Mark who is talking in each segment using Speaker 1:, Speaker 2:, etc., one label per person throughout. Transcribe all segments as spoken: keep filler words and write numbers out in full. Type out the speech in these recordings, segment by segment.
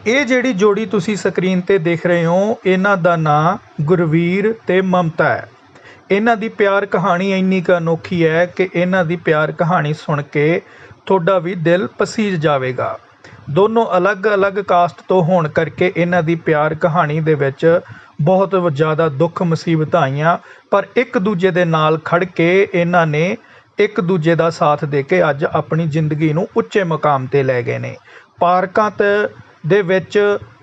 Speaker 1: ਇਹ ਜਿਹੜੀ ਜੋੜੀ ਤੁਸੀਂ ਸਕਰੀਨ ਤੇ ਦੇਖ ਰਹੇ ਹੋ, ਇਹਨਾਂ ਦਾ ਨਾਂ ਗੁਰਵੀਰ ਤੇ ਮਮਤਾ ਹੈ। ਇਹਨਾਂ ਦੀ ਪਿਆਰ ਕਹਾਣੀ ਇੰਨੀ ਕੁ ਅਨੋਖੀ ਹੈ ਕਿ ਇਹਨਾਂ ਦੀ ਪਿਆਰ ਕਹਾਣੀ ਸੁਣ ਕੇ ਤੁਹਾਡਾ ਵੀ ਦਿਲ ਪਸੀਜ ਜਾਵੇਗਾ। ਦੋਨੋਂ ਅਲੱਗ-ਅਲੱਗ ਕਾਸਟ ਤੋਂ ਹੋਣ ਕਰਕੇ ਇਹਨਾਂ ਦੀ ਪਿਆਰ ਕਹਾਣੀ ਦੇ ਵਿੱਚ ਬਹੁਤ ਜ਼ਿਆਦਾ ਦੁੱਖ ਮੁਸੀਬਤਾਂ ਆਈਆਂ, ਪਰ ਇੱਕ ਦੂਜੇ ਦੇ ਨਾਲ ਖੜ ਕੇ ਇਹਨਾਂ ਨੇ ਇੱਕ ਦੂਜੇ ਦਾ ਸਾਥ ਦੇ ਕੇ ਅੱਜ ਆਪਣੀ ਜ਼ਿੰਦਗੀ ਨੂੰ ਉੱਚੇ ਮੁਕਾਮ 'ਤੇ ਲੈ ਗਏ ਨੇ। ਪਾਰਕਾਂ ਤੇ ਦੇ ਵਿੱਚ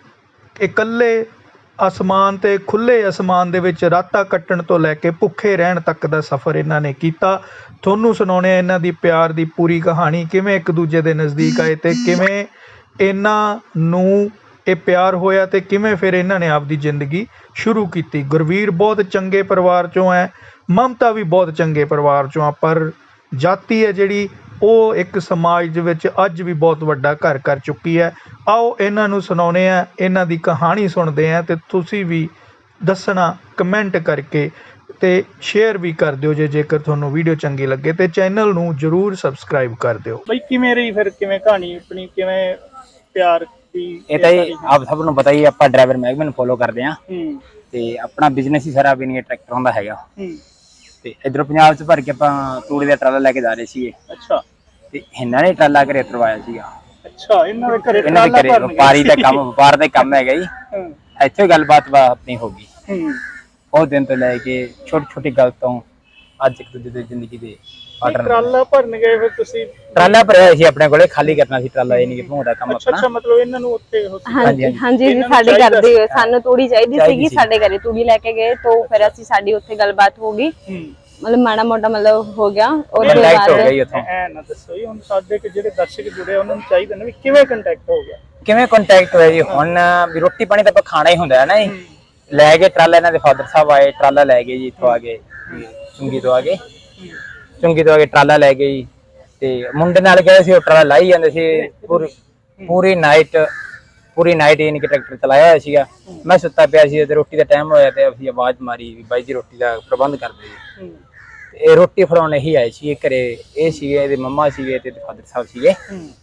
Speaker 1: ਇਕੱਲੇ ਅਸਮਾਨ ਤੇ ਖੁੱਲ੍ਹੇ ਅਸਮਾਨ ਦੇ ਵਿੱਚ ਰਾਤਾਂ ਕੱਟਣ ਤੋਂ ਲੈ ਕੇ ਭੁੱਖੇ ਰਹਿਣ ਤੱਕ ਦਾ ਸਫ਼ਰ ਇਹਨਾਂ ਨੇ ਕੀਤਾ। ਤੁਹਾਨੂੰ ਸੁਣਾਉਂਦੇ ਹਾਂ ਇਹਨਾਂ ਦੀ ਪਿਆਰ ਦੀ ਪੂਰੀ ਕਹਾਣੀ, ਕਿਵੇਂ ਇੱਕ ਦੂਜੇ ਦੇ ਨਜ਼ਦੀਕ ਆਏ ਤੇ ਕਿਵੇਂ ਇਹਨਾਂ ਨੂੰ ਇਹ ਪਿਆਰ ਹੋਇਆ ਤੇ ਕਿਵੇਂ ਫਿਰ ਇਹਨਾਂ ਨੇ ਆਪਦੀ ਜ਼ਿੰਦਗੀ ਸ਼ੁਰੂ ਕੀਤੀ। ਗੁਰਵੀਰ ਬਹੁਤ ਚੰਗੇ ਪਰਿਵਾਰ 'ਚੋਂ ਹੈ, ਮਮਤਾ ਵੀ ਬਹੁਤ ਚੰਗੇ ਪਰਿਵਾਰ 'ਚੋਂ ਆ, ਪਰ ਜਾਤੀ ਹੈ ਜਿਹੜੀ ਉਹ ਇੱਕ ਸਮਾਜ ਦੇ ਵਿੱਚ ਅੱਜ ਵੀ ਬਹੁਤ ਵੱਡਾ ਘਰ ਕਰ ਚੁੱਕੀ ਹੈ। ਆਓ ਇਹਨਾਂ ਨੂੰ ਸੁਣਾਉਂਦੇ ਹਾਂ, ਇਹਨਾਂ ਦੀ ਕਹਾਣੀ ਸੁਣਦੇ ਹਾਂ ਤੇ ਤੁਸੀਂ ਵੀ ਦੱਸਣਾ ਕਮੈਂਟ ਕਰਕੇ ਤੇ ਸ਼ੇਅਰ ਵੀ ਕਰ ਦਿਓ ਜੇ ਜੇਕਰ ਤੁਹਾਨੂੰ ਵੀਡੀਓ ਚੰਗੀ ਲੱਗੇ, ਤੇ ਚੈਨਲ ਨੂੰ ਜ਼ਰੂਰ ਸਬਸਕ੍ਰਾਈਬ ਕਰ ਦਿਓ।
Speaker 2: ਬਈ ਕਿਵੇਂ ਰਹੀ ਫਿਰ, ਕਿਵੇਂ ਕਹਾਣੀ ਆਪਣੀ, ਕਿਵੇਂ ਪਿਆਰ ਦੀ?
Speaker 3: ਇਹ ਤਾਂ ਜੀ ਆਪ ਸਭ ਨੂੰ ਪਤਾ ਹੀ, ਆਪਾਂ ਡਰਾਈਵਰ ਮਹਿਕਮੇ ਨੂੰ ਫੋਲੋ ਕਰਦੇ ਹਾਂ ਤੇ ਆਪਣਾ ਬਿਜ਼ਨਸ ਹੀ ਸਾਰਾ ਬਿਨਗੇ ਟਰੈਕਟਰਾਂ ਦਾ ਹੈਗਾ। ਤੇ ਇਧਰੋਂ ਪੰਜਾਬ ਚ ਭਰ ਕੇ ਆਪਾਂ ਤੂੜੀ ਦਾ ਟਰਾਲਾ ਲੈ ਕੇ ਜਾ ਰਹੇ ਸੀਗੇ।
Speaker 2: ਅੱਛਾ।
Speaker 3: ਤੇ ਇਹਨਾਂ ਨੇ ਟਰਾਲਾ ਘਰੇ ਉਤਰਵਾਇਆ ਸੀਗਾ।
Speaker 2: ਅੱਛਾ, ਇਹਨਾਂ ਦੇ ਘਰੇ
Speaker 3: ਇਹਨਾਂ ਦੇ ਘਰੇ ਵਪਾਰੀ ਦਾ ਕੰਮ ਵਪਾਰ ਦਾ ਕੰਮ ਹੈਗਾ ਜੀ। ਇੱਥੇ ਗੱਲਬਾਤ ਆਪਣੀ ਹੋ ਗਈ। ਉਹ ਦਿਨ ਤੋਂ ਲੈ ਕੇ ਛੋਟੀ ਛੋਟੀ ਗੱਲ ਤੋਂ ਅੱਜ ਇੱਕ ਦੂਜੇ ਦੀ ਜ਼ਿੰਦਗੀ ਦੇ
Speaker 2: ਟਰਾਲਾ ਭਰਨ ਗਏ ਫਿਰ ਤੁਸੀਂ?
Speaker 3: ਟਰਾਲਾ ਭਰਿਆ ਸੀ ਆਪਣੇ ਕੋਲੇ, ਖਾਲੀ ਕਰਨਾ ਸੀ ਟਰਾਲਾ, ਇਹ ਨਹੀਂ ਕਿ ਭੋਂਡਾ ਕੰਮ ਆਪਣਾ।
Speaker 2: ਅੱਛਾ, ਮਤਲਬ ਇਹਨਾਂ ਨੂੰ ਉੱਥੇ
Speaker 4: ਹਾਂਜੀ ਹਾਂਜੀ ਜੀ, ਸਾਡੇ ਘਰ ਦੀ ਸਾਨੂੰ ਤੂੜੀ ਚਾਹੀਦੀ ਸੀਗੀ, ਸਾਡੇ ਘਰੇ ਤੂੜੀ ਲੈ ਕੇ ਗਏ ਤੋਂ ਫਿਰ ਅਸੀਂ ਸਾਡੀ ਉੱਥੇ ਗੱਲਬਾਤ ਹੋ ਗਈ, ਮਤਲਬ ਮਾੜਾ ਮੋਟਾ ਮਤਲਬ ਹੋ ਗਿਆ।
Speaker 3: ਉਹਦੇ ਬਾਅਦ
Speaker 2: ਐ ਨਾ ਦੱਸੋ ਜੀ, ਹੁਣ ਸਾਡੇ ਕਿ ਜਿਹੜੇ ਦਰਸ਼ਕ ਜੁੜੇ ਉਹਨਾਂ ਨੂੰ ਚਾਹੀਦਾ ਨਾ ਵੀ ਕਿਵੇਂ ਕੰਟੈਕਟ ਹੋ ਗਿਆ,
Speaker 3: ਕਿਵੇਂ ਕੰਟੈਕਟ ਹੋਇਆ ਜੀ। ਹੁਣ ਵੀ ਰੋਟੀ ਪਾਣੀ ਤਾਂ ਆਪਾਂ ਖਾਣਾ ਹੀ ਹੁੰਦਾ ਹੈ ਨਾ ਜੀ। ਲੈ ਕੇ ਟਰਾਲਾ ਇਹਨਾਂ ਦੇ ਫਾਦਰ ਸਾਹਿਬ ਆਏ, ਟਰਾਲਾ ਲੈ ਗਏ ਜੀ, ਇੱਥੋਂ ਆ ਗਏ ਚੁੰਗੀ ਤੋਂ ਆ ਗਏ ਚੁੰਗੀ ਤੋਂ ਆ ਕੇ ਟਰਾਲਾ ਲੈ ਗਏ ਜੀ। ਤੇ ਮੁੰਡੇ ਨਾਲ ਗਏ ਸੀ, ਉਹ ਟਰਾਲਾ ਲਾਈ ਜਾਂਦੇ ਸੀ ਪੂਰੀ ਪੂਰੀ ਨਾਈਟ ਪੂਰੀ ਨਾਈਟ ਯਾਨੀ ਕਿ ਟਰੈਕਟਰ ਚਲਾਇਆ ਹੋਇਆ ਸੀਗਾ। ਮੈਂ ਸੁੱਤਾ ਪਿਆ ਸੀ ਤੇ ਰੋਟੀ ਦਾ ਟਾਈਮ ਹੋਇਆ ਤੇ ਅਸੀਂ ਆਵਾਜ਼ ਮਾਰੀ ਵੀ ਬਾਈ ਜੀ ਰੋਟੀ ਦਾ ਪ੍ਰਬੰਧ ਕਰ ਦਿਓ ਜੀ। ਇਹ ਰੋਟੀ ਫੜਾਉਣ ਹੀ ਆਏ ਸੀ ਘਰੇ, ਇਹ ਸੀਗੇ ਇਹਦੇ ਮੰਮਾ ਸੀਗੇ ਤੇ ਫਾਦਰ ਸਾਹਿਬ ਸੀਗੇ।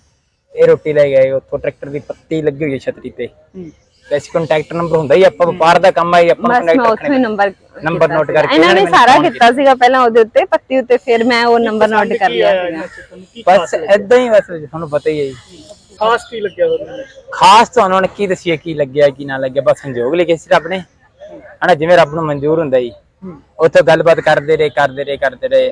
Speaker 3: ਇਹ ਰੋਟੀ ਲੈ ਗਏ, ਉੱਥੋਂ ਟਰੈਕਟਰ ਦੀ ਪੱਤੀ ਲੱਗੀ ਹੋਈ ਹੈ ਛਤਰੀ ਤੇ, ਵੈਸੇ ਕੰਟੈਕਟ ਨੰਬਰ ਹੁੰਦਾ ਹੀ, ਆਪਾਂ ਵਪਾਰ ਦਾ ਕੰਮ ਆਈ ਆਪਾਂ
Speaker 4: ਨੰਬਰ
Speaker 3: ਨੰਬਰ ਨੋਟ ਕਰਕੇ
Speaker 4: ਇਹਨਾਂ ਨੇ ਸਾਰਾ ਕੀਤਾ ਸੀਗਾ ਪਹਿਲਾਂ ਉਹਦੇ ਉੱਤੇ ਪੱਤੀ ਉੱਤੇ, ਫਿਰ ਮੈਂ ਉਹ ਨੰਬਰ ਨੋਟ ਕਰ ਲਿਆ ਸੀਗਾ।
Speaker 3: ਬਸ ਏਦਾਂ ਹੀ, ਬਸ ਤੁਹਾਨੂੰ ਪਤਾ ਹੀ ਹੈ ਜੀ।
Speaker 2: ਖਾਸ ਕੀ ਲੱਗਿਆ ਤੁਹਾਨੂੰ?
Speaker 3: ਖਾਸ ਤਾਂ ਉਹਨਾਂ ਨੇ ਕੀ ਦੱਸਿਆ ਕੀ ਲੱਗਿਆ ਕੀ ਨਾ ਲੱਗਿਆ, ਬਸ ਸੰਜੋਗ ਲਿਖੇ ਸੀ ਰੱਬ ਨੇ ਹਨਾ, ਜਿਵੇਂ ਰੱਬ ਨੂੰ ਮਨਜ਼ੂਰ ਹੁੰਦਾ ਜੀ। ਉੱਥੇ ਗੱਲਬਾਤ ਕਰਦੇ ਰਹੇ ਕਰਦੇ ਰਹੇ ਕਰਦੇ ਰਹੇ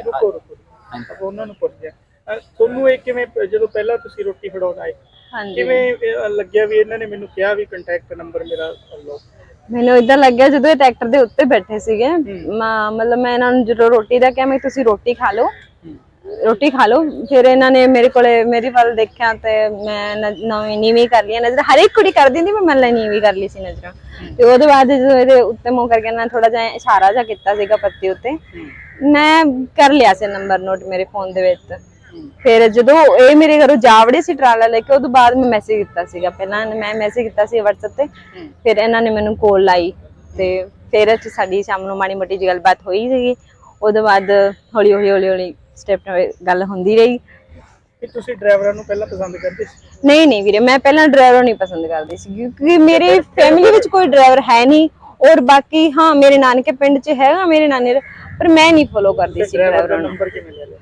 Speaker 2: ਉਹਨਾਂ ਨੂੰ ਪੁੱਛਿਆ ਤੁਹਾਨੂੰ ਇਹ ਕਿਵੇਂ, ਜਦੋਂ ਪਹਿਲਾਂ ਤੁਸੀਂ ਰੋਟੀ ਫੜਾਉਣ ਆਏ ਕਿਵੇਂ ਲੱਗਿਆ ਵੀ ਇਹਨਾਂ ਨੇ ਮੈਨੂੰ ਕਿਹਾ ਵੀ ਕੰਟੈਕਟ ਨੰਬਰ ਮੇਰਾ ਲਓ?
Speaker 4: ਮੈਨੂੰ ਇਦਾਂ ਲੱਗਿਆ ਜਦੋਂ ਇਹ ਟਰੈਕਟਰ ਦੇ ਉੱਤੇ ਬੈਠੇ ਸੀਗੇ, ਮਤਲਬ ਮੈਂ ਇਹਨਾਂ ਨੂੰ ਜਦੋਂ ਰੋਟੀ ਦਾ ਕਿਹਾ ਮੈਂ ਤੁਸੀਂ ਰੋਟੀ ਖਾ ਲਓ ਰੋਟੀ ਖਾ ਲਓ ਫਿਰ ਇਹਨਾਂ ਨੇ ਮੇਰੇ ਕੋਲੇ ਮੇਰੀ ਵੱਲ ਦੇਖਿਆ ਤੇ ਮੈਂ ਨਵੀਂ ਨੀਵੀਂ ਕਰ ਲਈ ਨਜ਼ਰ, ਹਰ ਇੱਕ ਕੁੜੀ ਕਰਦੀ ਹੁੰਦੀ, ਮੈਂ ਲੈ ਨੀਵੀਂ ਕਰ ਲਈ ਸੀ ਨਜ਼ਰਾਂ। ਤੇ ਉਹਦੇ ਬਾਅਦ ਜਦੋਂ ਇਹਦੇ ਉੱਤੇ ਮੂੰਹ ਕਰਕੇ ਇਹਨਾਂ ਥੋੜਾ ਜਿਹਾ ਇਸ਼ਾਰਾ ਜਿਹਾ ਕੀਤਾ ਸੀਗਾ ਪੱਤੀ ਉੱਤੇ, ਮੈਂ ਕਰ ਲਿਆ ਸੀ ਨੰਬਰ ਨੋਟ ਮੇਰੇ ਫੋਨ ਦੇ ਵਿੱਚ। ਫਿਰ ਜਦੋਂ ਇਹ ਮੇਰੇ ਘਰੋਂ ਜਾ ਵੜੇ ਸੀ ਟਰਾਲਾ ਲੈ ਕੇ, ਉਹਦੋਂ ਬਾਅਦ ਮੈਂ ਮੈਸੇਜ ਕੀਤਾ ਸੀਗਾ, ਪਹਿਲਾਂ ਮੈਂ ਮੈਸੇਜ ਕੀਤਾ ਸੀ WhatsApp ਤੇ, ਫਿਰ ਇਹਨਾਂ ਨੇ ਮੈਨੂੰ ਕਾਲ ਲਾਈ ਤੇ ਫਿਰ ਸਾਡੀ ਸ਼ਾਮ ਨੂੰ ਮਾੜੀ ਮੋਟੀ ਜਿਹੀ ਗੱਲਬਾਤ ਹੋਈ ਸੀਗੀ। ਉਹਦੇ ਬਾਅਦ ਹੌਲੀ ਹੌਲੀ ਹੌਲੀ ਹੌਲੀ ਸਟੈਪ ਨਾਲ ਗੱਲ ਹੁੰਦੀ ਰਹੀ।
Speaker 2: ਕਿ ਤੁਸੀਂ ਡਰਾਈਵਰਾਂ ਨੂੰ ਪਹਿਲਾਂ ਪਸੰਦ ਕਰਦੇ ਸੀ?
Speaker 4: ਨਹੀਂ ਨਹੀਂ ਵੀਰੇ, ਮੈਂ ਪਹਿਲਾਂ ਡਰਾਈਵਰ ਨਹੀਂ ਪਸੰਦ ਕਰਦੀ ਸੀ ਕਿਉਂਕਿ ਮੇਰੀ ਫੈਮਿਲੀ ਵਿੱਚ ਕੋਈ ਡਰਾਈਵਰ ਹੈ ਨਹੀਂ, ਔਰ ਬਾਕੀ ਹਾਂ ਮੇਰੇ ਨਾਨਕੇ ਪਿੰਡ 'ਚ ਹੈਗਾ ਮੇਰੇ ਨਾਨੇ, ਪਰ ਮੈਂ ਨਹੀਂ ਫੋਲੋ ਕਰਦੀ ਸੀ ਡਰਾਈਵਰਾਂ ਨੂੰ।
Speaker 2: ਨੰਬਰ ਕਿਵੇਂ ਲੈ ਲਿਆ?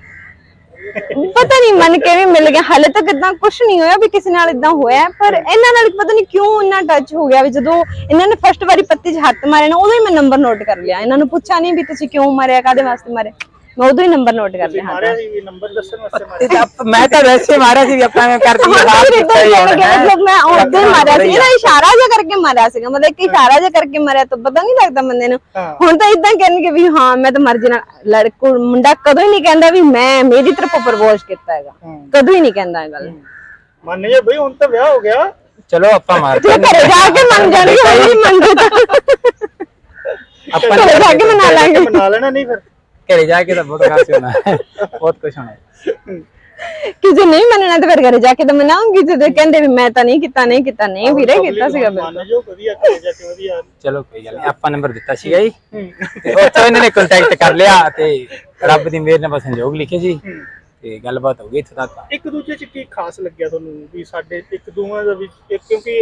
Speaker 4: ਪਤਾ ਨਹੀਂ ਮਨ ਕਿਵੇਂ ਮਿਲ ਗਿਆ, ਹਾਲੇ ਤੱਕ ਇਦਾਂ ਕੁਝ ਨਹੀਂ ਹੋਇਆ ਵੀ ਕਿਸੇ ਨਾਲ ਇਦਾਂ ਹੋਇਆ, ਪਰ ਇਹਨਾਂ ਨਾਲ ਪਤਾ ਨਹੀਂ ਕਿਉਂ ਇੰਨਾ ਟੱਚ ਹੋ ਗਿਆ ਵੀ ਜਦੋਂ ਇਹਨਾਂ ਨੇ ਫਸਟ ਵਾਰੀ ਪੱਤੀ 'ਚ ਹੱਥ ਮਾਰਿਆ ਨਾ, ਉਦੋਂ ਹੀ ਮੈਂ ਨੰਬਰ ਨੋਟ ਕਰ ਲਿਆ। ਇਹਨਾਂ ਨੂੰ ਪੁੱਛਿਆ ਨਹੀਂ ਵੀ ਤੁਸੀਂ ਕਿਉਂ ਮਾਰਿਆ, ਕਾਹਦੇ ਵਾਸਤੇ ਮਾਰਿਆ, ਮੈਂ ਉਦੋਂ ਹੀ ਨੰਬਰ ਨੋਟ ਕਰ ਲਿਆ।
Speaker 2: ਮਾਰਿਆ ਸੀ ਵੀ ਨੰਬਰ ਦੱਸਣ ਵਾਸਤੇ ਮਾਰਿਆ?
Speaker 3: ਮੈਂ ਤਾਂ ਵੈਸੇ ਮਾਰਿਆ ਸੀ, ਆਪਾਂ ਐਵੇਂ ਕਰਦੀ
Speaker 4: ਹਾਂ ਮਤਲਬ ਮੈਂ ਉਦੋਂ ਹੀ ਮਾਰਿਆ ਸੀ, ਇਹਦਾ ਇਸ਼ਾਰਾ ਜਿਹਾ ਕਰਕੇ ਮਾਰਿਆ ਸੀਗਾ, ਮਤਲਬ ਇੱਕ ਇਸ਼ਾਰਾ ਜਿਹਾ ਕਰਕੇ ਮਾਰਿਆ ਤਾਂ ਪਤਾ ਨਹੀਂ ਲੱਗਦਾ ਬੰਦੇ ਨੂੰ। ਹੁਣ ਤਾਂ ਇਦਾਂ ਕਹਿਣਗੇ ਵੀ ਹਾਂ ਮੈਂ ਤਾਂ ਮਰਜ਼ੀ ਨਾਲ, ਲੜਕੂ ਮੁੰਡਾ ਕਦੋਂ ਹੀ ਨਹੀਂ ਕਹਿੰਦਾ ਵੀ ਮੈਂ ਮੇਰੀ ਤਰਫੋਂ ਪ੍ਰਪੋਜ਼ ਕੀਤਾ ਹੈਗਾ, ਕਦੋਂ ਹੀ ਨਹੀਂ ਕਹਿੰਦਾ ਇਹ ਗੱਲ।
Speaker 2: ਮੰਨ ਜਾ ਬਈ, ਹੁਣ ਤਾਂ ਵਿਆਹ ਹੋ ਗਿਆ,
Speaker 3: ਚਲੋ ਆਪਾਂ ਮਾਰ
Speaker 4: ਘਰੇ ਜਾ ਕੇ ਮੰਨ ਜਾਣਗੇ, ਨਹੀਂ ਮੰਨਦੇ ਤਾਂ
Speaker 3: ਆਪਾਂ
Speaker 4: ਘਰੇ ਜਾ ਕੇ ਮਨਾ ਲਾਂਗੇ।
Speaker 2: ਮਨਾ ਲੈਣਾ ਨਹੀਂ ਫਿਰ
Speaker 3: ਘਰੇ ਜਾ ਕੇ ਤਾਂ ਬਹੁਤ ਖਾਸ ਹੋਣਾ, ਬਹੁਤ ਕੁਝ ਹੋਣਾ।
Speaker 4: ਕਿ ਜੇ ਨਹੀਂ ਮੰਨਣਾ ਤਾਂ ਫਿਰ ਘਰੇ ਜਾ ਕੇ ਤਾਂ ਮਨਾਉਂਗੀ, ਜਦੋਂ ਕਹਿੰਦੇ ਵੀ ਮੈਂ ਤਾਂ ਨਹੀਂ ਕੀਤਾ ਨਹੀਂ ਕੀਤਾ ਨਹੀਂ ਵੀਰੇ ਕੀਤਾ ਸੀਗਾ।
Speaker 2: ਮੰਨ ਜੋ ਵਧੀਆ, ਘਰੇ ਜਾ ਕੇ ਵਧੀਆ।
Speaker 3: ਚਲੋ ਕੋਈ ਗੱਲ ਨਹੀਂ, ਆਪਾਂ ਨੰਬਰ ਦਿੱਤਾ ਸੀਗਾ ਜੀ ਤੇ ਉੱਥੋਂ ਇਹਨਾਂ ਨੇ ਕੰਟੈਕਟ ਕਰ ਲਿਆ ਤੇ ਰੱਬ ਦੀ ਮਿਹਰ ਨਾਲ ਬਸ ਸੰਜੋਗ ਲਿਖੇ ਸੀ ਤੇ ਗੱਲਬਾਤ ਹੋ ਗਈ ਇੱਥੇ ਤੱਕ।
Speaker 2: ਇੱਕ ਦੂਜੇ 'ਚ ਕੀ ਖਾਸ ਲੱਗਿਆ ਤੁਹਾਨੂੰ ਵੀ ਸਾਡੇ ਇੱਕ ਦੋਵਾਂ ਦਾ ਵੀ, ਕਿਉਂਕਿ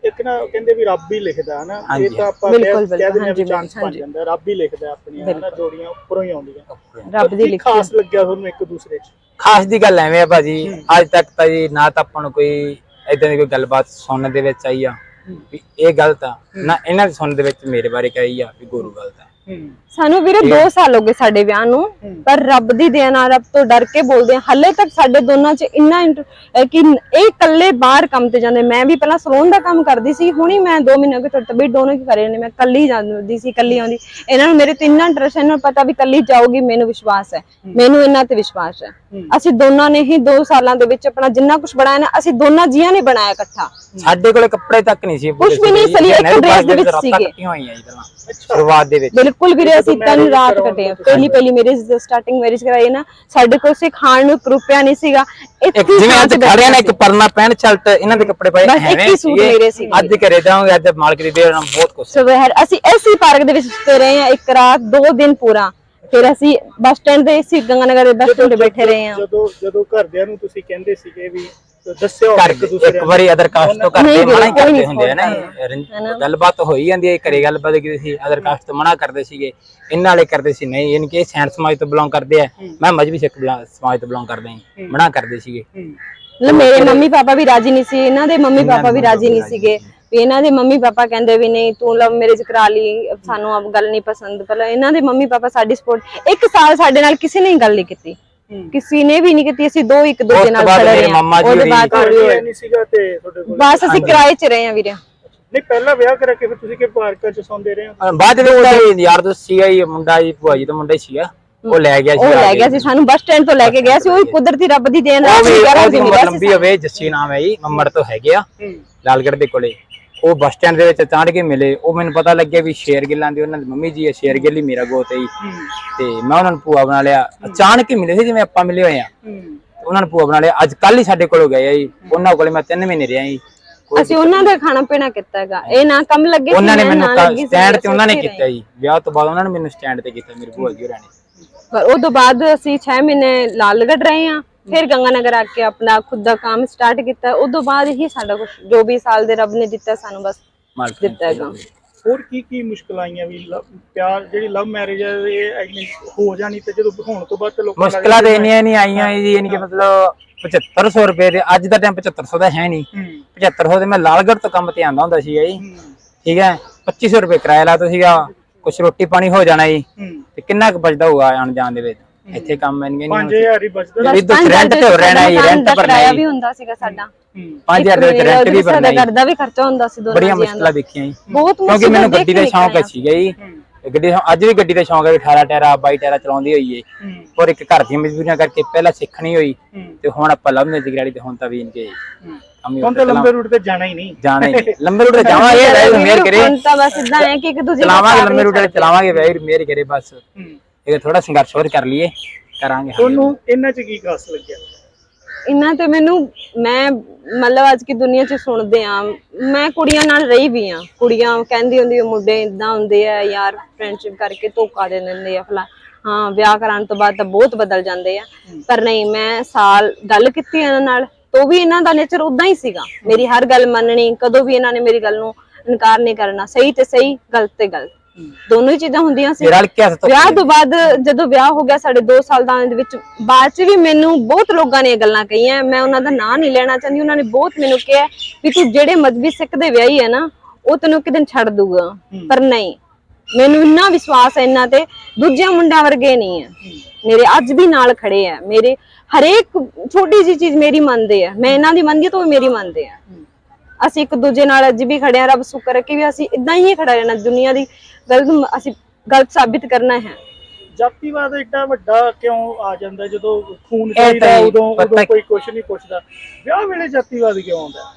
Speaker 2: ਇੱਕ ਨਾ ਕਹਿੰਦੇ ਵੀ ਰੱਬ ਹੀ ਲਿਖਦਾ ਹਨਾ, ਇਹ
Speaker 3: ਹਾਂਜੀ।
Speaker 2: ਤਾਂ ਆਪਾਂ
Speaker 4: ਬਿਲਕੁਲ,
Speaker 2: ਕਹਿ ਦਿੰਦੇ ਆ ਵੀ
Speaker 4: ਹਾਂਜੀ,
Speaker 2: ਚਾਂਸ ਬਣ
Speaker 4: ਹਾਂਜੀ।
Speaker 2: ਜਾਂਦਾ, ਰੱਬ ਹੀ ਲਿਖਦਾ ਆਪਣੀਆਂ ਹਨਾ, ਜੋੜੀਆਂ ਉੱਪਰੋਂ ਹੀ ਆਉਂਦੀਆਂ।
Speaker 4: ਰੱਬ ਦੀ
Speaker 2: ਕੀ
Speaker 4: ਲਿਖੀ
Speaker 2: ਖਾਸ ਲੱਗਿਆ ਤੁਹਾਨੂੰ ਇੱਕ ਦੂਸਰੇ 'ਚ?
Speaker 3: ਖਾਸ ਦੀ ਗੱਲ ਐਵੇਂ ਆ ਭਾਜੀ, ਅੱਜ ਤੱਕ ਤਾਂ ਜੀ ਨਾ ਤਾਂ ਆਪਾਂ ਨੂੰ ਕੋਈ ਏਦਾਂ ਦੀ ਕੋਈ ਗੱਲਬਾਤ ਸੁਣਨ ਦੇ ਵਿੱਚ ਆਈ ਆ ਵੀ ਇਹ ਗਲਤ ਆ, ਨਾ ਇਹਨਾਂ ਦੇ ਸੁਣਨ ਦੇ ਵਿੱਚ ਮੇਰੇ ਬਾਰੇ ਕਹੀ ਆ ਵੀ ਗੁਰੂ ਗਲਤ ਆ।
Speaker 4: ਸਾਨੂੰ ਵੀਰੇ ਦੋ ਸਾਲ ਹੋ ਗਏ ਸਾਡੇ ਵਿਆਹ ਨੂੰ, ਪਰ ਰੱਬ ਦੀ ਦੇਣ ਨਾਲ ਰੱਬ ਤੋਂ ਡਰ ਕੇ ਬੋਲਦੇ ਆ। ਹੱਲੇ ਤੱਕ ਸਾਡੇ ਦੋਨਾਂ 'ਚ ਇੰਨਾ ਇੰਟ- ਅਹ ਕਿ ਇਹ ਇਕੱਲੇ ਬਾਹਰ ਕੰਮ ਤੇ ਜਾਂਦੇ, ਮੈਂ ਵੀ ਪਹਿਲਾਂ ਸਲੂਨ ਦਾ ਕੰਮ ਕਰਦੀ ਸੀ, ਹੁਣੀ ਮੈਂ ਦੋ ਮਹੀਨੇ ਹੋ ਗਏ ਥੋੜੀ ਤਬੀਅਤ ਦੋਨੋਂ ਕੀ ਕਰੇ ਨੇ, ਮੈਂ ਕੱਲੀ ਜਾਂਦੀ ਸੀ, ਕੱਲੀ ਆਉਂਦੀ। ਇਹਨਾਂ ਨੂੰ ਮੇਰੇ ਤੇ ਇੰਨਾ ਇੰਟਰਸਟ, ਇਹਨਾਂ ਨੂੰ ਪਤਾ ਵੀ ਕੱਲੀ ਜਾਊਗੀ, ਮੈਨੂੰ ਵਿਸ਼ਵਾਸ ਹੈ, ਮੈਨੂੰ ਇਹਨਾਂ ਤੇ ਵਿਸ਼ਵਾਸ ਹੈ। ਅਸੀਂ ਦੋਨਾਂ ਨੇ ਹੀ ਦੋ ਸਾਲਾਂ ਦੇ ਵਿੱਚ ਆਪਣਾ ਜਿੰਨਾ ਕੁਝ ਬਣਾਇਆ ਨਾ, ਅਸੀਂ ਦੋਨਾਂ ਜੀਆਂ ਨੇ ਬਣਾਇਆ ਇਕੱਠਾ।
Speaker 3: ਸਾਡੇ ਕੋਲੇ ਕੱਪੜੇ ਤੱਕ ਨਹੀਂ ਸੀ,
Speaker 4: ਕੁਛ ਵੀ ਨਹੀਂ ਸਲੀ, ਇੱਕ ਡਰੈਸ ਦੇ ਵਿੱਚ ਸੀਗੇ
Speaker 3: ਹੋਈਆਂ ਜੀ ਪਹਿਲਾਂ ਸ਼ੁਰੂਆਤ ਦੇ ਵਿੱਚ।
Speaker 4: ਬਿਲਕੁਲ ਵੀਰੇ, ਅਸੀਂ ਤਿੰਨ ਰਾਤ ਕੱਟੇ ਆ। ਪਹਿਲੀ ਪਹਿਲੀ ਮੇਰੀ ਸਟਾਰਟਿੰਗ ਮੈਰਿਜ ਕਰਾਈ ਨਾ, ਸਾਡੇ ਕੋਲ ਸੇ ਖਾਣ ਨੂੰ ਇੱਕ ਰੁਪਿਆ ਨਹੀਂ ਸੀਗਾ।
Speaker 3: ਇੱਕ ਜਿਵੇਂ ਅੱਜ ਖੜਿਆ ਨਾ, ਇੱਕ ਪਰਨਾ ਪੈਂਟ ਸ਼ਰਟ ਇਹਨਾਂ ਦੇ ਕੱਪੜੇ ਪਏ
Speaker 4: ਬਸ ਇੱਕ ਹੀ ਸੂਟ ਮੇਰੇ ਸੀ।
Speaker 3: ਅੱਜ ਘਰੇ ਜਾਵਾਂਗੇ, ਅੱਜ ਮਾਲਕ ਦੀ ਦੇਣ ਨਾਲ ਬਹੁਤ ਕੁਝ।
Speaker 4: ਸਵੇਰ ਅਸੀਂ ਐਸੀ ਪਾਰਕ ਦੇ ਵਿੱਚ ਸੁੱਤੇ ਰਹੇ ਆ ਇੱਕ ਰਾਤ, ਦੋ ਦਿਨ ਪੂਰਾ। ਫਿਰ ਅਸੀਂ ਬੱਸ ਸਟੈਂਡ ਤੇ ਸੀ, ਗੰਗਾਨਗਰ ਦੇ ਬੱਸ ਸਟੈਂਡ ਤੇ ਬੈਠੇ ਰਹੇ ਆ।
Speaker 2: ਜਦੋਂ ਜਦੋਂ ਘਰਦਿਆਂ ਨੂੰ ਤੁਸੀਂ ਕਹਿੰਦੇ ਸੀਗੇ ਵੀ ਦੱਸਿਓ
Speaker 3: ਘਰ
Speaker 2: ਇੱਕ ਦੂਸਰੇ
Speaker 3: ਇੱਕ ਵਾਰੀ ਅਦਰ ਕਾਸਟ ਤੋਂ ਕਰਦੇ
Speaker 4: ਨਹੀਂ,
Speaker 3: ਮਨਾ ਹੀ
Speaker 4: ਕੋਈ
Speaker 3: ਕਰਦੇ
Speaker 4: ਨਹੀਂ
Speaker 3: ਹੁੰਦੇ ਆ ਨਾ, ਗੱਲਬਾਤ ਹੋਈ ਜਾਂਦੀ ਹੈ ਘਰੇ, ਗੱਲਬਾਤ ਕੀਤੀ ਸੀ, ਅਦਰ ਕਾਸਟ ਤੋਂ ਮਨਾ ਕਰਦੇ ਸੀਗੇ, ਇਹਨਾਂ ਵਾਲੇ ਕਰਦੇ ਸੀ ਨਹੀਂ, ਯਾਨੀ ਕਿ ਇਹ ਸੈਂਟ ਸਮਾਜ ਤੋਂ ਬਿਲੋਂਗ ਕਰਦੇ ਆ, ਮੈਂ ਮਜਬੀ ਸਿੱਖ ਸਮਾਜ ਤੋਂ ਬਿਲੋਂਗ ਕਰਦਾ ਹਾਂ, ਮਨਾ ਕਰਦੇ ਸੀਗੇ।
Speaker 4: ਮਤਲਬ ਮੇਰੇ ਮੰਮੀ ਪਾਪਾ ਵੀ ਰਾਜੀ ਨਹੀਂ ਸੀ, ਇਹਨਾਂ ਦੇ ਮੰਮੀ ਪਾਪਾ ਵੀ ਰਾਜੀ ਨਹੀਂ ਸੀਗੇ। ਵੀ ਇਹਨਾਂ ਦੇ ਮੰਮੀ ਪਾਪਾ ਕਹਿੰਦੇ ਵੀ ਨਹੀਂ ਤੂੰ ਲਵ ਮੈਰਿਜ ਕਰਾ ਲਈ, ਸਾਨੂੰ ਅਬ ਗੱਲ ਨਹੀਂ ਪਸੰਦ। ਪਹਿਲਾਂ ਇਹਨਾਂ ਦੇ ਮੰਮੀ ਪਾਪਾ ਸਾਡੀ ਸਪੋਰਟ, ਇੱਕ ਸਾਲ ਸਾਡੇ ਨਾਲ ਕਿਸੇ ਨੇ ਗੱਲ ਨਹੀਂ ਕੀਤੀ, ਕਿਸੇ ਨੇ ਵੀ ਨਹੀਂ ਕੀਤੀ। ਅਸੀਂ ਦੋ ਇੱਕ ਦੂਜੇ ਨਾਲ ਖੜੇ ਰਹੇ ਹਾਂ। ਉਹਦੇ ਬਾਅਦ
Speaker 2: ਨਹੀਂ ਸੀਗਾ ਤੇ ਤੁਹਾਡੇ ਕੋਲ
Speaker 4: ਬਸ ਅਸੀਂ ਕਿਰਾਏ 'ਚ ਰਹੇ ਹਾਂ ਵੀਰੇ।
Speaker 2: ਨਹੀਂ ਪਹਿਲਾਂ ਵਿਆਹ ਕਰਾ ਕੇ ਫਿਰ ਤੁਸੀਂ ਕਿ ਪਾਰਕਾਂ 'ਚ ਸੌਂਦੇ ਰਹੇ ਹੋ?
Speaker 3: ਬਾਅਦ ਵਿੱਚ ਯਾਰ ਦੋਸਤ ਸੀਗਾ ਹੀ ਮੁੰਡਾ ਜੀ, ਭੂਆ ਜੀ ਦਾ ਮੁੰਡਾ ਹੀ ਸੀਗਾ, ਉਹ ਲੈ ਗਿਆ ਸੀ,
Speaker 4: ਉਹ ਲੈ ਗਿਆ ਸੀ ਸਾਨੂੰ, ਬੱਸ ਸਟੈਂਡ ਤੋਂ ਲੈ ਕੇ ਗਿਆ ਸੀ। ਉਹ ਕੁਦਰਤੀ ਰੱਬ ਦੀ ਦੇਣ ਨਾਲ
Speaker 3: ਉਹਦੀ ਉਮਰ ਲੰਬੀ ਹੋਵੇ, ਜੱਸੀ ਨਾਮ ਹੈ ਜੀ, ਮੰਮੜ ਤੋਂ ਹੈਗੇ ਆ ਲਾਲਗੜ੍ਹ ਦੇ ਕੋਲੇ। ਉਹ ਬੱਸ ਸਟੈਂਡ ਦੇ ਵਿੱਚ ਚਾੜ ਕੇ ਮਿਲੇ, ਉਹ ਮੈਨੂੰ ਪਤਾ ਲੱਗਿਆ ਵੀ ਸ਼ੇਰ ਗਿੱਲਾਂ ਦੀ ਉਹਨਾਂ ਦੀ ਮੰਮੀ ਜੀ ਹੈ, ਸ਼ੇਰ ਗਿੱਲ ਹੀ ਮੇਰਾ ਗੋਤ ਹੈ ਜੀ। ਤੇ ਮੈਂ ਉਹਨਾਂ ਨੂੰ ਭੂਆ ਬਣਾ ਲਿਆ, ਅਚਾਨਕ ਹੀ ਮਿਲੇ ਸੀ ਜਿਵੇਂ ਆਪਾਂ ਮਿਲੇ ਹੋਏ ਆ, ਉਹਨਾਂ ਨੂੰ ਭੂਆ ਬਣਾ ਲਿਆ। ਅੱਜ ਕੱਲ ਹੀ ਸਾਡੇ ਕੋਲੋਂ ਗਏ ਆ ਜੀ, ਉਹਨਾਂ ਕੋਲੇ ਮੈਂ ਤਿੰਨ ਮਹੀਨੇ ਰਿਹਾ ਜੀ।
Speaker 4: ਅਸੀਂ ਉਹਨਾਂ ਦਾ ਖਾਣਾ ਪੀਣਾ ਕੀਤਾ ਹੈਗਾ, ਇਹ ਨਾ ਕੰਮ ਲੱਗੇ ਸੀ,
Speaker 3: ਉਹਨਾਂ ਨੇ ਮੈਨੂੰ ਸਟੈਂਡ ਤੇ ਉਹਨਾਂ ਨੇ ਕੀਤਾ ਜੀ, ਵਿਆਹ ਤੋਂ ਬਾਅਦ ਉਹਨਾਂ ਨੇ ਮੈਨੂੰ ਸਟੈਂਡ ਤੇ ਕੀਤਾ, ਮੇਰੀ ਭੂਆ ਜੀ ਹੋਰਾਂ ਨੇ।
Speaker 4: ਪਰ ਉਹ ਤੋਂ ਬਾਅਦ ਅਸੀਂ ਛੇ ਮਹੀਨੇ ਲਾਲਗੜ੍ਹ ਰਹੇ ਆ, ਫਿਰ ਗੰਗਾਨਗਰ ਆ ਕੇ ਆਪਣਾ ਖੁਦ ਦਾ ਕੰਮ ਸਟਾਰਟ ਕੀਤਾ। ਉਸ ਤੋਂ ਬਾਅਦ ਹੀ ਸਾਡਾ ਕੁਝ ਜੋ ਵੀ ਸਾਲ ਦੇ ਰੱਬ ਨੇ ਦਿੱਤਾ ਸਾਨੂੰ ਬਸ ਦਿੱਤਾ ਹੈਗਾ।
Speaker 2: ਹੋਰ ਕੀ ਕੀ ਮੁਸ਼ਕਲਾਂ ਆਈਆਂ ਵੀ ਪਿਆਰ ਜਿਹੜੀ ਲਵ ਮੈਰਿਜ ਹੈ ਇਹ ਹੋ ਜਾਣੀ ਤੇ ਜਦੋਂ ਹੋਣ ਤੋਂ ਬਾਅਦ ਲੋਕਾਂ
Speaker 3: ਮੁਸ਼ਕਲਾਂ ਤੇ ਇੰਨੀਆਂ ਨਹੀਂ ਆਈਆਂ ਜੀ, ਯਾਨੀ ਕਿ ਮਤਲਬ ਪਚੱਤਰ ਸੌ ਰੁਪਏ ਦੇ, ਅੱਜ ਦਾ ਟਾਈਮ ਪਚੱਤਰ ਸੌ ਦਾ ਹੈ ਨਹੀਂ, ਪਚੱਤਰ ਸੌ ਦੇ ਮੈਂ ਲਾਲਗੜ੍ਹ ਤੋਂ ਕੰਮ ਤੇ ਆਂਦਾ ਹੁੰਦਾ ਸੀਗਾ ਜੀ, ਠੀਕ ਹੈ, ਪੱਚੀ ਸੌ ਰੁਪਏ ਕਿਰਾਇਆ ਲਾਤਾ ਸੀਗਾ, ਕੁਛ ਰੋਟੀ ਪਾਣੀ ਹੋ ਜਾਣਾ ਜੀ, ਤੇ ਕਿੰਨਾ ਕੁ ਬਚਦਾ ਹੋਊਗਾ ਆਣ ਜਾਣ ਦੇ ਵਿੱਚ। ਇੱਥੇ ਕੰਮ ਇੰਨੇ
Speaker 2: ਪੰਜ ਹਜ਼ਾਰ ਹੀ ਬਚਦਾ,
Speaker 3: ਰੈਂਟ ਤੇ ਹੋ ਰਹਿਣਾ ਜੀ, ਰੈਂਟ ਭਰਨਾ
Speaker 4: ਵੀ ਹੁੰਦਾ ਸੀਗਾ ਸਾਡਾ,
Speaker 3: ਪੰਜ ਹਜ਼ਾਰ ਦੇ ਵਿੱਚ ਰੈਂਟ ਵੀ ਭਰਨਾ ਜੀ,
Speaker 4: ਘਰ ਦਾ ਵੀ ਖਰਚਾ ਹੁੰਦਾ ਸੀ ਦੋਨਾਂ
Speaker 3: ਬੜੀਆਂ ਮੁਸ਼ਕਲਾਂ ਦੇਖੀਆਂ ਜੀ,
Speaker 4: ਬਹੁਤ।
Speaker 3: ਕਿਉਂਕਿ ਮੈਨੂੰ ਗੱਡੀ ਦਾ ਸ਼ੌਂਕ ਸੀਗਾ ਜੀ, ਗੱਡੀ ਅੱਜ ਵੀ ਗੱਡੀ ਦਾ ਸ਼ੌਂਕ ਹੈ, ਅਠਾਰਾਂ ਟਾਇਰਾ ਬਾਈ ਟਾਇਰਾ ਚਲਾਉਂਦੀ ਹੋਈ ਏ, ਪਰ ਇੱਕ ਘਰ ਦੀਆਂ ਮਜਬੂਰੀਆਂ ਕਰਕੇ ਪਹਿਲਾਂ ਸਿੱਖਣੀ ਹੋਈ, ਤੇ ਹੁਣ ਆਪਾਂ ਲਵ ਮੈਰਿਜ ਕਰਾਈ ਤੇ ਹੁਣ ਤਾਂ ਵੀ ਇਨਕੇ
Speaker 2: ਹੁਣ ਤਾਂ ਲੰਬੇ ਰੂਟ ਤੇ ਜਾਣਾ ਹੀ ਨਹੀਂ,
Speaker 3: ਜਾਣਾ ਹੀ ਲੰਬੇ ਰੂਟ ਤੇ ਜਾਵਾਂਗੇ, ਵੈਰ ਮੇਰ ਕਰੇ
Speaker 4: ਹੁਣ ਤਾਂ ਬਸ ਇਦਾਂ ਹੈ ਕਿ ਇੱਕ ਦੂਜੇ ਨੂੰ
Speaker 3: ਚਲਾਵਾਂਗੇ, ਲੰਬੇ ਰੂਟ ਤੇ ਚਲਾਵਾਂਗੇ, ਵੈਰ ਮੇਰ ਕਰੇ ਬਸ। ਇਹ ਥੋੜਾ ਸੰਘਰਸ਼ ਹੋਰ ਕਰ ਲਈਏ, ਕਰਾਂਗੇ।
Speaker 2: ਤੁਹਾਨੂੰ ਇਹਨਾਂ 'ਚ ਕੀ ਖਾਸ ਲੱਗਿਆ?
Speaker 4: ਇਹਨਾਂ ਤੇ ਮੈਨੂੰ, ਮੈਂ ਮਤਲਬ ਅੱਜ ਕੀ ਦੁਨੀਆ 'ਚ ਸੁਣਦੇ ਆ, ਮੈਂ ਕੁੜੀਆਂ ਨਾਲ ਰਹੀ ਵੀ ਆ, ਕੁੜੀਆਂ ਕਹਿੰਦੀ ਹੁੰਦੀ ਮੁੰਡੇ ਇਦਾਂ ਹੁੰਦੇ ਆ ਯਾਰ, ਫਰੈਂਡਸ਼ਿਪ ਕਰਕੇ ਧੋਖਾ ਦੇ ਦਿੰਦੇ ਆ ਫਲਾ, ਹਾਂ ਵਿਆਹ ਕਰਾਉਣ ਤੋਂ ਬਾਅਦ ਤਾਂ ਬਹੁਤ ਬਦਲ ਜਾਂਦੇ ਆ, ਪਰ ਨਹੀਂ, ਮੈਂ ਸਾਲ ਗੱਲ ਕੀਤੀ ਇਹਨਾਂ ਨਾਲ ਤਾਂ ਵੀ ਇਹਨਾਂ ਦਾ ਨੇਚਰ ਉਦਾਂ ਹੀ ਸੀਗਾ, ਮੇਰੀ ਹਰ ਗੱਲ ਮੰਨਣੀ, ਕਦੋਂ ਵੀ ਇਹਨਾਂ ਨੇ ਮੇਰੀ ਗੱਲ ਨੂੰ ਇਨਕਾਰ ਨਹੀਂ ਕਰਨਾ, ਸਹੀ ਤੇ ਸਹੀ, ਗਲਤ ਤੇ ਗਲਤ, ਦੋਨੋਂ ਹੀ ਚੀਜ਼ਾਂ ਹੁੰਦੀਆਂ ਸੀ। ਵਿਆਹ ਤੋਂ ਬਾਅਦ ਜਦੋਂ ਵਿਆਹ ਹੋ ਗਿਆ ਸਾਡੇ ਦੋ ਸਾਲ ਦਾ ਦੇ ਵਿੱਚ, ਬਾਅਦ ਚ ਵੀ ਮੈਨੂੰ ਬਹੁਤ ਲੋਕਾਂ ਨੇ ਇਹ ਗੱਲਾਂ ਕਹੀਆਂ, ਮੈਂ ਉਹਨਾਂ ਦਾ ਨਾਂ ਨਹੀਂ ਲੈਣਾ ਚਾਹੁੰਦੀ, ਉਹਨਾਂ ਨੇ ਬਹੁਤ ਮੈਨੂੰ ਕਿਹਾ ਵੀ ਤੂੰ ਜਿਹੜੇ ਮਜ਼ਬੀ ਸਿੱਖ ਦੇ ਵਿਆਹੀ ਹੈ ਨਾ, ਉਹ ਤੈਨੂੰ ਇੱਕ ਦਿਨ ਛੱਡ ਦੂਗਾ, ਪਰ ਨਹੀਂ, ਮੈਨੂੰ ਇੰਨਾ ਵਿਸ਼ਵਾਸ ਹੈ ਇਹਨਾਂ ਤੇ, ਦੂਜਿਆਂ ਮੁੰਡਿਆਂ ਵਰਗੇ ਨਹੀਂ ਹੈ, ਮੇਰੇ ਅੱਜ ਵੀ ਨਾਲ ਖੜੇ ਆ, ਮੇਰੇ ਹਰੇਕ ਛੋਟੀ ਜਿਹੀ ਚੀਜ਼ ਮੇਰੀ ਮੰਨਦੇ ਆ, ਮੈਂ ਇਹਨਾਂ ਦੀ ਮੰਨਦੀ ਤਾਂ ਉਹ ਮੇਰੀ ਮੰਨਦੇ ਆ, ਅਸੀਂ ਇੱਕ ਦੂਜੇ ਨਾਲ ਅੱਜ ਵੀ ਖੜੇ ਆ, ਰੱਬ ਸ਼ੁਕਰ ਹੈ ਕਿ ਵੀ ਅਸੀਂ ਇਦਾਂ ਹੀ ਖੜਾ ਰਹਿਣਾ, ਦੁਨੀਆ ਦੀ ਗਲਤ ਅਸੀਂ ਗਲਤ ਸਾਬਿਤ ਕਰਨਾ ਹੈ।
Speaker 2: ਜਾਤੀਵਾਦ ਏਡਾ ਵੱਡਾ ਕਿਉਂ ਆ ਜਾਂਦਾ ਜਦੋਂ ਖੂਨ ਚਾਹੀਦਾ ਉਦੋਂ ਉਦੋਂ ਕੋਈ ਕੁਛ ਨਹੀਂ ਪੁੱਛਦਾ, ਵਿਆਹ ਵੇਲੇ ਜਾਤੀਵਾਦ ਕਿਉਂ ਆਉਂਦਾ?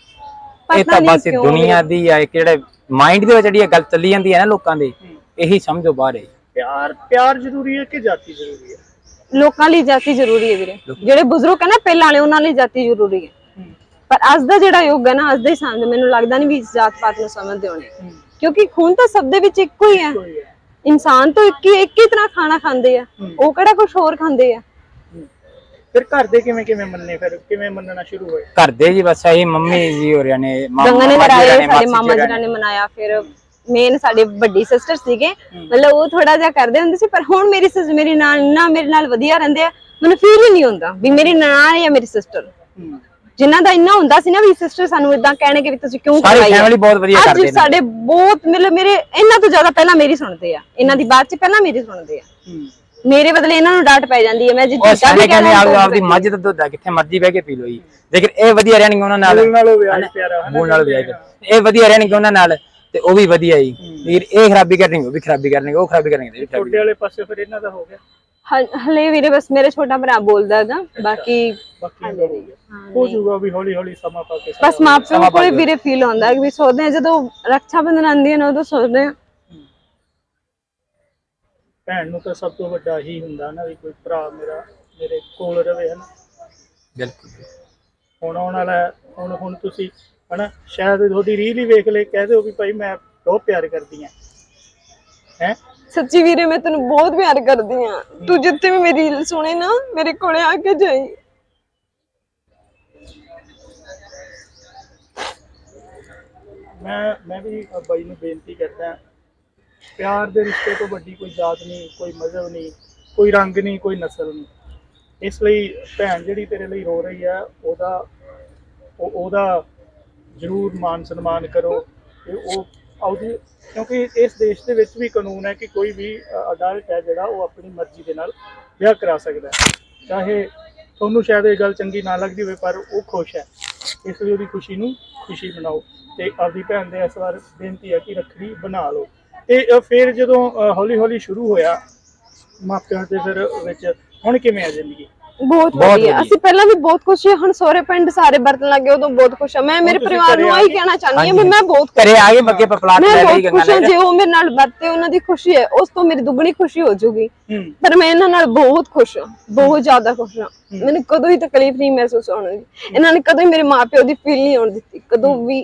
Speaker 3: ਇਹ ਤਾਂ ਬਸ ਦੁਨੀਆ ਦੀ ਆ, ਇੱਕ ਜਿਹੜੇ ਮਾਈਂਡ ਦੇ ਵਿੱਚ ਜਿਹੜੀ ਗੱਲ ਚੱਲੀ ਜਾਂਦੀ ਹੈ ਨਾ ਲੋਕਾਂ ਦੇ, ਇਹੀ ਸਮਝੋ ਬਾਹਰ ਹੈ।
Speaker 2: ਪਿਆਰ ਪਿਆਰ ਜ਼ਰੂਰੀ ਹੈ ਕਿ ਜਾਤੀ ਜ਼ਰੂਰੀ ਹੈ?
Speaker 4: ਲੋਕਾਂ ਲਈ ਜਾਤੀ ਜ਼ਰੂਰੀ ਹੈ ਵੀਰੇ, ਜਿਹੜੇ ਬਜ਼ੁਰਗ ਹੈ ਨਾ ਪਹਿਲਾਂ ਵਾਲੇ, ਉਹਨਾਂ ਲਈ ਜਾਤੀ ਜ਼ਰੂਰੀ ਹੈ, ਪਰ ਅੱਜ ਦਾ ਜਿਹੜਾ ਯੁੱਗ ਹੈ ਨਾ, ਅੱਜ ਦੇ ਸਮਝ ਮੈਨੂੰ ਲੱਗਦਾ ਨਹੀਂ ਵੀ ਜਾਤ ਪਾਤ ਨੂੰ ਸਮਝਦੇ ਹੋਣੇ, ਕਿਉਂਕਿ ਖੂਨ ਤਾਂ ਸਭ ਦੇ ਵਿੱਚ ਇੱਕੋ ਹੀ ਹੈ, ਇਨਸਾਨ ਤਾਂ ਇੱਕ ਹੀ ਇੱਕ ਹੀ ਤਰ੍ਹਾਂ ਖਾਣਾ ਖਾਂਦੇ ਆ, ਉਹ ਕਿਹੜਾ ਕੁਝ ਹੋਰ ਖਾਂਦੇ ਆ।
Speaker 2: ਫਿਰ ਘਰ ਦੇ ਕਿਵੇਂ ਕਿਵੇਂ ਮੰਨੇ, ਫਿਰ ਕਿਵੇਂ ਮੰਨਣਾ ਸ਼ੁਰੂ ਹੋਏ?
Speaker 3: ਘਰ ਦੇ ਜੀ ਬਸ ਇਹੀ ਮੰਮੀ ਜੀ ਹੋਰਿਆਂ ਨੇ,
Speaker 4: ਗੰਗਾ ਨੇ
Speaker 3: ਮਾਮਾ ਜੀ
Speaker 4: ਕਰਾਏ,
Speaker 3: ਹੋਰਿਆਂ ਨੇ,
Speaker 4: ਸਾਡੇ
Speaker 3: ਮਾਸੀ
Speaker 4: ਮਾਮਾ
Speaker 3: ਜੀ
Speaker 4: ਜੀ ਨੇ ਮਨਾਇਆ। ਫਿਰ ਮੇਨ ਸਾਡੇ ਵੱਡੀ ਸਿਸਟਰ ਸੀਗੇ, ਮਤਲਬ ਉਹ ਥੋੜਾ ਜਿਹਾ ਕਰਦੇ ਹੁੰਦੇ ਸੀ, ਪਰ ਹੁਣ ਮੇਰੀ ਸਿਸ ਮੇਰੀ ਨਾਲ ਨਾ ਮੇਰੇ ਨਾਲ ਵਧੀਆ ਰਹਿੰਦੇ ਆ, ਮੈਨੂੰ ਫੀਲ ਹੀ ਨਹੀਂ ਹੁੰਦਾ ਵੀ ਮੇਰੀ ਨਨਾਣ ਜਾਂ ਮੇਰੀ ਸਿਸਟਰ, ਜਿਨ੍ਹਾਂ ਦਾ ਇੰਨਾ ਹੁੰਦਾ ਸੀ ਨਾ ਵੀ ਸਿਸਟਰ ਸਾਨੂੰ ਇਦਾਂ ਕਹਿਣਗੇ ਵੀ ਤੁਸੀਂ ਕਿਉਂ
Speaker 3: ਸਾਰੀ
Speaker 4: ਕਰਵਾਈ
Speaker 3: ਫੈਮਿਲੀ ਬਹੁਤ ਵਧੀਆ ਕਰਦੇ ਨੇ।
Speaker 4: ਅੱਜ ਸਾਡੇ ਬਹੁਤ ਮਤਲਬ ਮੇਰੇ ਇਹਨਾਂ ਤੋਂ ਜ਼ਿਆਦਾ ਪਹਿਲਾਂ ਮੇਰੀ ਸੁਣਦੇ ਆ, ਇਹਨਾਂ ਦੀ ਬਾਤ ਚ ਪਹਿਲਾਂ ਮੇਰੀ ਸੁਣਦੇ ਆ, ਮੇਰੇ ਬਦਲੇ ਇਹਨਾਂ ਨੂੰ ਡਾਂਟ ਪੈ ਜਾਂਦੀ ਹੈ। ਮੈਂ ਜਿੱਦਾਂ
Speaker 3: ਉਹ ਸਾਰੇ ਕਹਿੰਦੇ ਆਪ ਆਪਦੀ ਮੱਝ ਦਾ ਦੁੱਧ ਆ ਕਿੱਥੇ ਮਰਜੀ ਬਹਿ ਕੇ ਪੀ ਲੋ ਜੀ, ਲੇਕਿਨ ਇਹ ਵਧੀਆ ਰਹਿਣਗੇ ਉਹਨਾਂ ਨਾਲ,
Speaker 2: ਬੋਲ ਨਾਲੋਂ ਵਿਆਜ ਪਿਆਰਾ ਹੈ ਨਾ,
Speaker 3: ਬੋਲ ਨਾਲ ਵਿਆਜ, ਇਹ ਵਧੀਆ ਰਹਿਣਗੇ ਉਹਨਾਂ ਨਾਲ ਤੇ ਉਹ ਵੀ ਵਧੀਆ ਜੀ। ਵੀਰ ਇਹ ਖਰਾਬੀ ਕਰਨਗੇ ਉਹ ਵੀ ਖਰਾਬੀ ਕਰਨਗੇ, ਉਹ ਖਰਾਬੀ ਕਰਨਗੇ
Speaker 2: ਛੋਟੇ ਵਾਲੇ ਪਾਸੇ ਫਿਰ ਇਹਨਾਂ ਦਾ ਹੋ ਗਿਆ।
Speaker 4: ਹਲੇ ਵੀਰੇ ਬਸ ਮੇਰੇ ਛੋਟਾ ਭਰਾ ਬੋਲਦਾ ਹੈਗਾ, ਬਾਕੀ
Speaker 2: ਬਾਕੀ ਹੋ ਜਾਊਗਾ ਵੀ ਹੌਲੀ ਹੌਲੀ ਸਮਾਂ ਪਾ ਕੇ।
Speaker 4: ਬਸ ਮਾਪਿਆਂ ਕੋਲੇ ਵੀਰੇ ਫੀਲ ਹੁੰਦਾ ਕਿ ਵੀ ਸੋਚਦੇ ਆ ਜਦੋਂ ਰੱਖਿਆ ਬੰਧਨ ਆਉਂਦੀ ਹੈ ਨਾ ਉਦੋਂ ਸੋਚਦੇ ਆ
Speaker 2: ਭੈਣ ਨੂੰ ਤਾਂ ਸਭ ਤੋਂ ਵੱਡਾ ਹੀ ਹੁੰਦਾ ਨਾ ਵੀ ਕੋਈ ਭਰਾ ਮੇਰਾ ਮੇਰੇ ਕੋਲ ਰਵੇ, ਹਨਾ।
Speaker 3: ਬਿਲਕੁਲ
Speaker 2: ਹੁਣ ਆਉਣ ਵਾਲਾ ਹੁਣ ਹੁਣ ਤੁਸੀਂ ਹਨਾ ਸ਼ਾਇਦ ਤੁਹਾਡੀ ਰੀਲ ਹੀ ਵੇਖ ਲੈ, ਕਹਿ ਦਿਓ ਵੀ ਭਾਈ ਮੈਂ ਬਹੁਤ ਪਿਆਰ ਕਰਦੀ ਆ ਹੈ।
Speaker 4: ਸੱਚੀ ਵੀਰੇ ਮੈਂ ਤੈਨੂੰ ਬਹੁਤ ਪਿਆਰ ਕਰਦੀ ਆ, ਤੂੰ ਜਿੱਥੇ ਵੀ ਮੇਰੀ ਰੀਲ ਸੁਣੇ ਨਾ ਮੇਰੇ ਕੋਲੇ ਆ ਕੇ ਜਾਈ।
Speaker 2: ਮੈਂ ਮੈਂ ਵੀ ਬਾਈ ਨੂੰ ਬੇਨਤੀ ਕਰਦਾ, ਪਿਆਰ ਦੇ ਰਿਸ਼ਤੇ ਤੋਂ ਵੱਡੀ ਕੋਈ ਜਾਤ ਨਹੀਂ, ਕੋਈ ਮਜ਼ਹਬ ਨਹੀਂ, ਕੋਈ ਰੰਗ ਨਹੀਂ, ਕੋਈ ਨਸਲ ਨਹੀਂ। ਇਸ ਲਈ ਭੈਣ ਜਿਹੜੀ ਤੇਰੇ ਲਈ ਰੋ ਰਹੀ ਆ ਉਹਦਾ ਉਹ ਉਹਦਾ ਜ਼ਰੂਰ ਮਾਨ ਸਨਮਾਨ ਕਰੋ ਤੇ ਉਹ ਆਉਦੀ, ਕਿਉਂਕਿ ਇਸ ਦੇਸ਼ ਦੇ ਵਿੱਚ ਵੀ ਕਾਨੂੰਨ ਹੈ ਕਿ ਕੋਈ ਵੀ ਅਡਲਟ ਹੈ ਜਿਹੜਾ ਉਹ ਆਪਣੀ ਮਰਜ਼ੀ ਦੇ ਨਾਲ ਵਿਆਹ ਕਰਾ ਸਕਦਾ ਹੈ। ਚਾਹੇ ਤੁਹਾਨੂੰ ਸ਼ਾਇਦ ਇਹ ਗੱਲ ਚੰਗੀ ਨਾ ਲੱਗਦੀ ਹੋਵੇ ਪਰ ਉਹ ਖੁਸ਼ ਹੈ, ਇਸ ਲਈ ਉਹਦੀ ਖੁਸ਼ੀ ਨੂੰ ਖੁਸ਼ੀ ਬਣਾਓ। ਤੇ ਆਪਦੀ ਭੈਣ ਦੇ ਇਸ ਵਾਰ ਬੇਨਤੀ ਹੈ ਕਿ ਰੱਖੜੀ ਬਣਾ ਲਓ। ਤੇ ਫਿਰ ਜਦੋਂ ਹੌਲੀ ਹੌਲੀ ਸ਼ੁਰੂ ਹੋਇਆ ਮਾਪਿਆਂ ਦੇ ਫਿਰ ਵਿੱਚ, ਹੁਣ ਕਿਵੇਂ ਆ ਜ਼ਿੰਦਗੀ?
Speaker 4: ਬਹੁਤ ਵਧੀਆ, ਅਸੀਂ ਪਹਿਲਾਂ ਵੀ ਬਹੁਤ ਖੁਸ਼ ਹਾਂ, ਹੁਣ ਸਹੁਰੇ ਪਿੰਡ ਸਾਰੇ ਵਰਤਣ ਲੱਗੇ ਉਦੋਂ ਬਹੁਤ ਖੁਸ਼ ਹਾਂ। ਮੈਂ ਮੇਰੇ ਪਰਿਵਾਰ ਨੂੰ ਆਹੀ ਕਹਿਣਾ ਚਾਹੁੰਦੀ ਹਾਂ ਵੀ ਮੈਂ ਬਹੁਤ
Speaker 3: ਘਰੇ ਆ ਗਏ ਬੱਗੇ ਪਪਲਾਟ ਲੈ ਲਈ ਗੰਗਾ
Speaker 4: ਖੁਸ਼ ਹਾਂ। ਜੇ ਉਹ ਮੇਰੇ ਨਾਲ ਵਰਤੇ ਉਹਨਾਂ ਦੀ ਖੁਸ਼ੀ ਹੈ, ਉਸ ਤੋਂ ਮੇਰੀ ਦੁੱਗਣੀ ਖੁਸ਼ੀ ਹੋ ਜਾਊਗੀ। ਪਰ ਮੈਂ ਇਹਨਾਂ ਨਾਲ ਬਹੁਤ ਖੁਸ਼ ਹਾਂ, ਬਹੁਤ ਜ਼ਿਆਦਾ ਖੁਸ਼ ਹਾਂ। ਮੈਨੂੰ ਕਦੋਂ ਹੀ ਤਕਲੀਫ ਨਹੀਂ ਮਹਿਸੂਸ ਹੋਣ ਦੀ, ਇਹਨਾਂ ਨੇ ਕਦੋਂ ਹੀ ਮੇਰੇ ਮਾਪਿਓ ਦੀ ਫੀਲ ਨਹੀਂ ਹੋਣ ਦਿੱਤੀ, ਕਦੋਂ ਵੀ।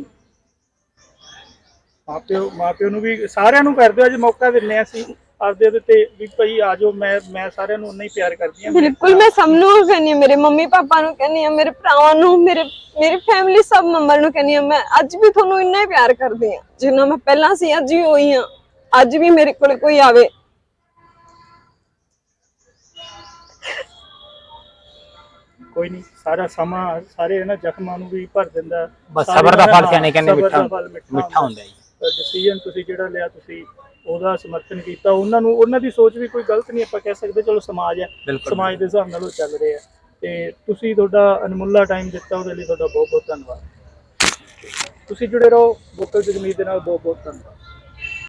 Speaker 2: ਮਾਪਿਓ ਮਾਪਿਓ ਨੂੰ ਵੀ ਸਾਰਿਆਂ ਨੂੰ ਕਰਦੇ ਹੋ, ਅੱਜ ਮੌਕਾ ਦਿੰਨੇ ਆ ਅਸੀਂ ਆਪਦੇ ਦੇ ਤੇ ਵੀ ਭਾਈ ਆ ਜਾਓ। ਮੈਂ ਮੈਂ ਸਾਰਿਆਂ ਨੂੰ ਉਨਾ ਹੀ ਪਿਆਰ ਕਰਦੀ ਹਾਂ।
Speaker 4: ਬਿਲਕੁਲ, ਮੈਂ ਸਭ ਨੂੰ ਕਹਿੰਦੀ ਹਾਂ, ਮੇਰੇ ਮੰਮੀ ਪਾਪਾ ਨੂੰ ਕਹਿੰਦੀ ਹਾਂ, ਮੇਰੇ ਭਰਾਵਾਂ ਨੂੰ, ਮੇਰੇ ਮੇਰੀ ਫੈਮਿਲੀ ਸਭ ਮੈਂਬਰ ਨੂੰ ਕਹਿੰਦੀ ਹਾਂ, ਮੈਂ ਅੱਜ ਵੀ ਤੁਹਾਨੂੰ ਇੰਨਾ ਹੀ ਪਿਆਰ ਕਰਦੀ ਹਾਂ ਜਿੰਨਾ ਮੈਂ ਪਹਿਲਾਂ ਸੀ, ਅੱਜ ਵੀ ਹੋਈ ਹਾਂ। ਅੱਜ ਵੀ ਮੇਰੇ ਕੋਲ ਕੋਈ ਆਵੇ
Speaker 2: ਕੋਈ ਨਹੀਂ, ਸਾਰਾ ਸਮਾਂ ਸਾਰੇ ਇਹਨਾਂ ਜ਼ਖਮਾਂ ਨੂੰ ਵੀ ਭਰ ਦਿੰਦਾ।
Speaker 3: ਬਸ ਸਬਰ ਦਾ ਫਲ ਸਿਆਣੇ ਕਹਿੰਦੇ ਮਿੱਠਾ ਮਿੱਠਾ ਹੁੰਦਾ ਜੀ।
Speaker 2: ਡਿਸੀਜਨ ਤੁਸੀਂ ਜਿਹੜਾ ਲਿਆ, ਤੁਸੀਂ ਉਹਦਾ ਸਮਰਥਨ ਕੀਤਾ। ਉਹਨਾਂ ਨੂੰ ਉਹਨਾਂ ਦੀ ਸੋਚ ਵੀ ਕੋਈ ਗਲਤ ਨਹੀਂ ਆਪਾਂ ਕਹਿ ਸਕਦੇ, ਚਲੋ ਸਮਾਜ ਹੈ, ਸਮਾਜ ਦੇ ਹਿਸਾਬ ਨਾਲ ਉਹ ਚੱਲ ਰਹੇ ਆ। ਤੇ ਤੁਸੀਂ ਤੁਹਾਡਾ ਅਨਮੁੱਲਾ ਟਾਈਮ ਦਿੱਤਾ, ਉਹਦੇ ਲਈ ਤੁਹਾਡਾ ਬਹੁਤ ਬਹੁਤ ਧੰਨਵਾਦ। ਤੁਸੀਂ ਜੁੜੇ ਰਹੋ ਵੋਕਲ ਜਗਮੀਤ ਦੇ ਨਾਲ। ਬਹੁਤ ਬਹੁਤ ਧੰਨਵਾਦ।